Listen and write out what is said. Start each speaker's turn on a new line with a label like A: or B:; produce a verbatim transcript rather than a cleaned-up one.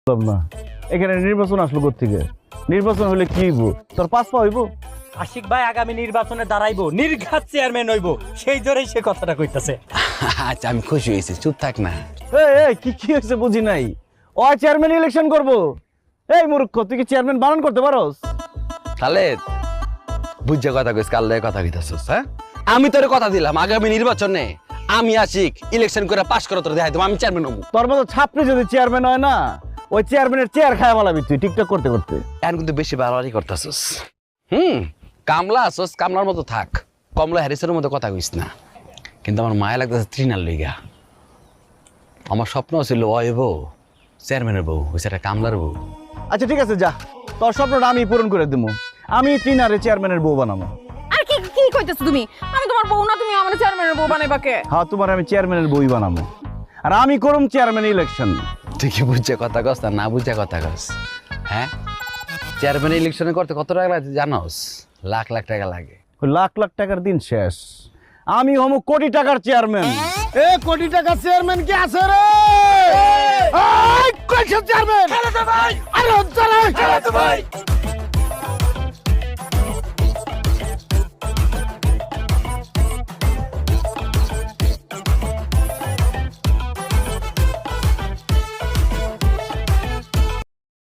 A: না এখানে নির্বাচন আসলো কোত্থেকে? নির্বাচন হলে কি হইব? তোর পাস পা হইব?
B: আশিক ভাই আগামী নির্বাচনে দাঁড়াইবো, নির্ঘাত চেয়ারম্যান হইব, সেই জোরেই সে কথাটা কইতাছে।
C: আচ্ছা আমি খুশি হয়েছি, চুপ থাক না।
A: এই এই কি কি হয়েছে বুঝি নাই। ও চেয়ারম্যান ইলেকশন করব। এই মূর্খ, তুই কি চেয়ারম্যান বানান করতে পারোস?
C: তাহলে বুঝছে কথা কইস, কাল লয়ে কথা কইতাছস? হ্যাঁ, আমি তোর কথা দিলাম আগামী নির্বাচনে আমি আশিক ইলেকশন করে পাস করে তোর দেখাই দেবো আমি চেয়ারম্যান হবো।
A: তোর মতো ছাত্রী যদি চেয়ারম্যান হয় না, ওই চেয়ারম্যানের চেয়ার খায় বলাবি তুই টিকটক করতে করতে।
C: এখন কিন্তু বেশি বাড়াবাড়ি করতেছস। হুম, কামলা আসস, কামলার মতো থাক, কমলা হ্যারিসের মতো কথা কইস না। কিন্তু আমার মায়া লাগতেছে তৃণার লইগা। আমার স্বপ্ন ছিল ওই বউ চেয়ারম্যানের বউ, ওই সেটা কামলার বউ।
A: আচ্ছা ঠিক আছে, যা, তোর স্বপ্নটা আমি পূরণ করে দেবো। আমি ট্রিনারে চেয়ারম্যানের বউ বানাবো।
D: আর কি কি কইতেছ তুমি? আমি তোমার বউ না, তুমি আমার চেয়ারম্যানের বউ বানাইবা কে?
A: হ্যাঁ, তোমার আমি চেয়ারম্যানের বই বানাবো, আর আমি করুম চেয়ারম্যান ইলেকশন।
C: ঠিকই বুঝছে কথা কস না, না বুঝছে কথা কস। হ্যাঁ, চেয়ারম্যান ইলেকশনে করতে কত টাকা লাগে জানোস? লাখ লাখ টাকা লাগে।
A: ওই লাখ লাখ টাকার দিন শেষ, আমি হম কোটি টাকার চেয়ারম্যান।
E: এ কোটি টাকা চেয়ারম্যান কি আছে রে? এই কইছে চেয়ারম্যান, আরে হচ্ছে রে।